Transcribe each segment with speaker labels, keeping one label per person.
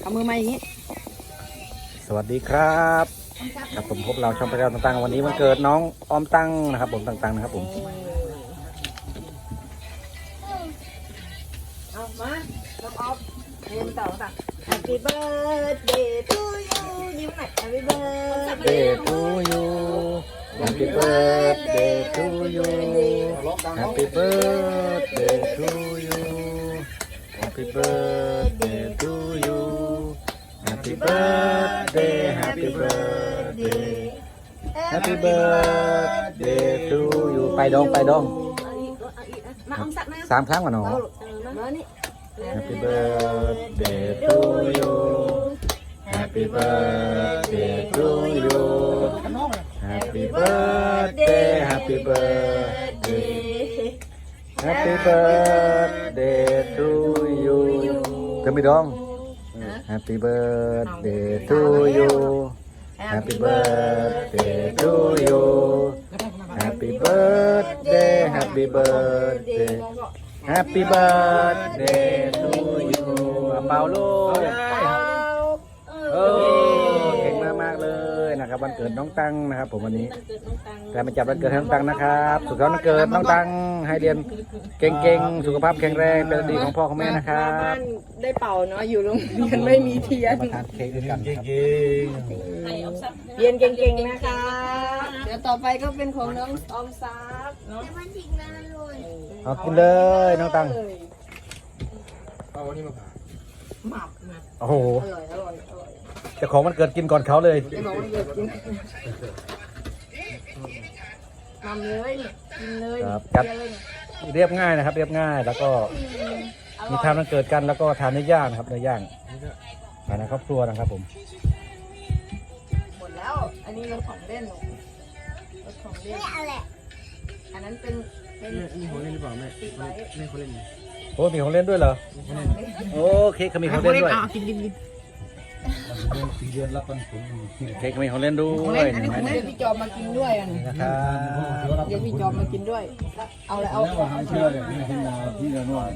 Speaker 1: เอามือมาอย่างนี้
Speaker 2: สวัสดีครับครับผมพบเราช่องพระเจ้าต่างๆวันนี้วันเกิดน้องออมตั้งนะครับผมต่างๆนะครับผม
Speaker 1: เอามาน้องออฟเรียนต่อต่าง Happy birthday to you ยิ้มหน่อย Happy birthday
Speaker 2: to you Happy birthday to you Happy birthday to you Happy birthday to you Happy birthday Happy birthday Happy birthday to you ไปดอง
Speaker 1: มาอมสักนะ
Speaker 2: 3 ครั้งก่อนเนาะ
Speaker 1: มานี่
Speaker 2: Happy birthday to you Happy birthday to you Happy birthday Happy birthday Happy birthday to you จะไม่ดอง Happy birthday to you Happy birthday to you Happy birthday Happy birthday Happy birthday to you เป่าลูกเก่งมากๆเลยนะครับวันเกิดน้องตังนะครับผมวันนี้แต่มาจับวันเกิดให้น้องตังนะครับสุขสันต์วันเกิดน้องตังให้เรียนเก่งๆสุขภาพแข็งแรงเป็นดีของพ่อของแม่นะครับ
Speaker 1: ได้เป่าเนาะอยู่โรงเรียนไม่มีเทียน
Speaker 2: มาทานเค้กด้วยกันครับ
Speaker 1: เรียนเก่งๆนะคะเดี๋ยวต่อไปก็เป็นของน้องออมทรัพย์เนาะ
Speaker 2: เอากินเลยน้องตัง
Speaker 3: เอาวันนี้มาผ่า
Speaker 1: หมับ
Speaker 2: โอ้โห
Speaker 1: อร่อย
Speaker 2: เจ้าของมันเกิดกินก่อนเขาเลย
Speaker 1: จะบอกว่าเกิดกินทำเลยกินเลย
Speaker 2: จัดเรียบง่ายนะครับเรียบง่ายแล้วก็มีทานมันเกิดกันแล้วก็ทานเนื้อย่างนะครับเนื้อย่างภายในครอบครัวนะครับผม
Speaker 1: หมดแล้วอันนี้รถของเล่นรถของเล่นอันนั้นเป็น
Speaker 3: นี่ของเล่นหรือเปล่าแม่แม่เขาเล่น
Speaker 2: โอ้มีของเล่นด้วยเหรอโอ้เค้กเขามีของเล่นด้วย
Speaker 1: กิน
Speaker 3: 4 เดือนรับปันผล
Speaker 2: เค้กมีของเล่นด้วย
Speaker 1: อันนี้ของเล่นพี่จอมมากินด้วย
Speaker 2: นะครับ
Speaker 1: เดี๋ยวพี่จอมมากินด้วยเอาเลยเอา
Speaker 3: เชื่อเลยพี่ขึ้นมาพี่ละน้อย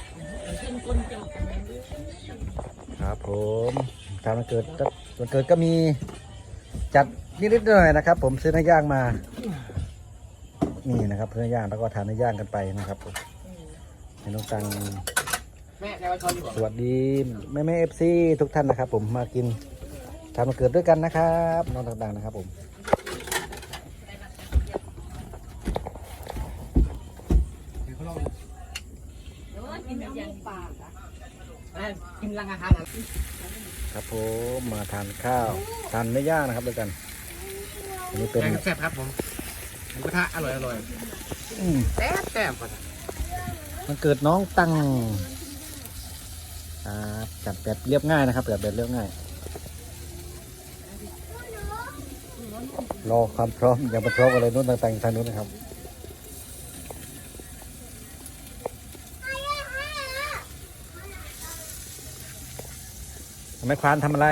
Speaker 2: ครับผมทานวันเกิดก็มีจัดนิดๆหน่อยนะครับผมซื้อเนื้อย่างมานี่นะครับเนื้อย่างแล้วก็ทานเนื้อย่างกันไปนะครับผมให้น้องตังสวัสดีแม่เอฟซีทุกท่านนะครับผมมากินทานวันเกิดด้วยกันนะครับน้องต่างๆนะครับผม
Speaker 1: กินรังอาหาร
Speaker 2: ครับผมมาทานข้าวทานเนื้อย่างนะครับด้วยกันอันนี้เป็น
Speaker 3: แซ่บครับผมหมูกระทะอร่อยแซ่บก่อน
Speaker 2: มันเกิดน้องตังจัดแบบเรียบง่ายนะครับแบบเรียบง่ายรอความพร้อมอย่ามาพร้อมอะไรนู้นต่างๆทางนู้นนะครับแม่ควานทำอะไร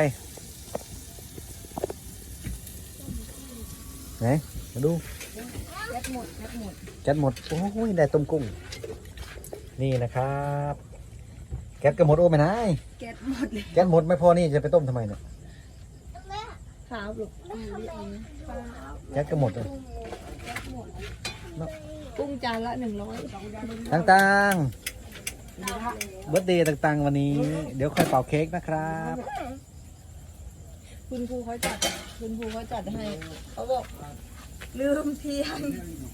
Speaker 2: ไหนมาดูแก๊สหมดโอ้ยได้ต้มกุ้งนี่นะครับแก๊สก็หมดโอ้ไม่นาย
Speaker 1: แก๊สหมดเลย
Speaker 2: แก๊สหมดไม่พอนี่จะไปต้มทำไมเนี่ย
Speaker 1: ครับลูก
Speaker 2: แก๊สก็หมดเลย
Speaker 1: กุ้งจานละ100
Speaker 2: ต่างๆเบิร์ธเดย์ต่างๆวันนี้เดี๋ยวค่อยเป่าเค้กนะครับ
Speaker 1: คุณครูเขาจัดให้เขาบอกลืมเทียน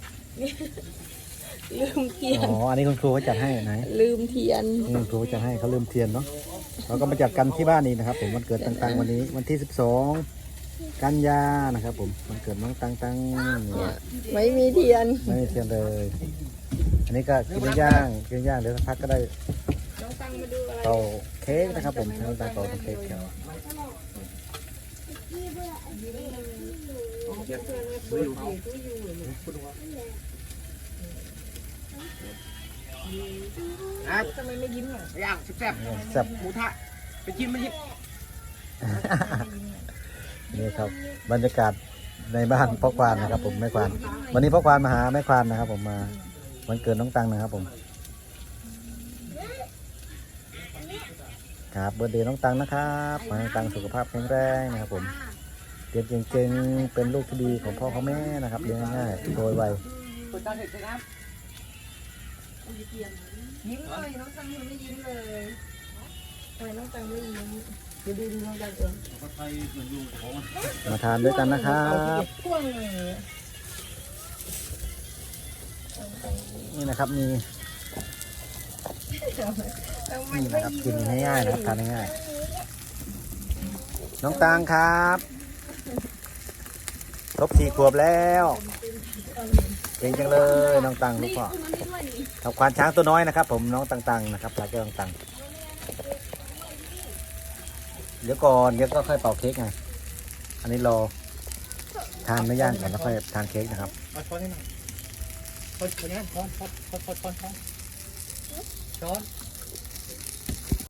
Speaker 2: อ๋ออันนี้คุณครูเขาจัดให้ไหน
Speaker 1: ลืมเทียน
Speaker 2: นี่คุณครูจัดให้เขาลืมเทียนเนาะเราก็มาจัดกันที่บ้านนี้นะครับผมวันเกิดต่างๆวันนี้วันที่12 กันยานะครับผมวันเกิดน้องตัง
Speaker 1: ไม่มีเทียน
Speaker 2: เลยอันนี้ก็กินย่างเดี๋ยวสักพักก็ได้เป่าเค้กนะครับผมน้องตังเป่าเค้กครับ
Speaker 1: ทำไมไม่ยิ้มอ่ะ
Speaker 3: ย่างแซ่บหมูทะไปกินมันยิบ
Speaker 2: นี่ครับบรรยากาศในบ้านพ่อควานนะครับผมแม่ควานวันนี้พ่อควานมาหาแม่ควานนะครับผมมาวันเกิดน้องตังนะครับผมครับเบอร์เดย์น้องตังนะครับขอให้น้องตังสุขภาพแข็งแรงนะครับผมเรียนเก่งๆเป็นลูกที่ดีของพ่อของแม่นะครับเลี้ยงง่ายๆโดยไว
Speaker 3: เปิดตาเห็ดเลยครับ
Speaker 1: ยิ้มเลยน้องตังยังไม่ยิ้มเลยทำไมน้องตังไม่ยิ้มดูน้องตังเอง
Speaker 2: มาทานด้วยกันนะครับ
Speaker 1: พ่วงเลย
Speaker 2: นี่นะครับมีนี่นะครับกินง่ายๆนะครับทานง่ายๆน้องตังครับครบ4 ขวบแล้วเก่งจังเลยน้องตังลูกพ่อครับควานช้างตัวน้อยนะครับ ผมน้องตังๆนะครับปลาแก้วตังเดี๋ยวก่อนเดี๋ยวก็ค่อยเป่าเค้กไงอันนี้รอทานไม่ย่างก่อนแล้วค่อยทานเค้กนะครับ
Speaker 3: เอาช้อนให้หน่อยช้อนนี้ช้อนช้อนช้อนช้อนช้อนช้อน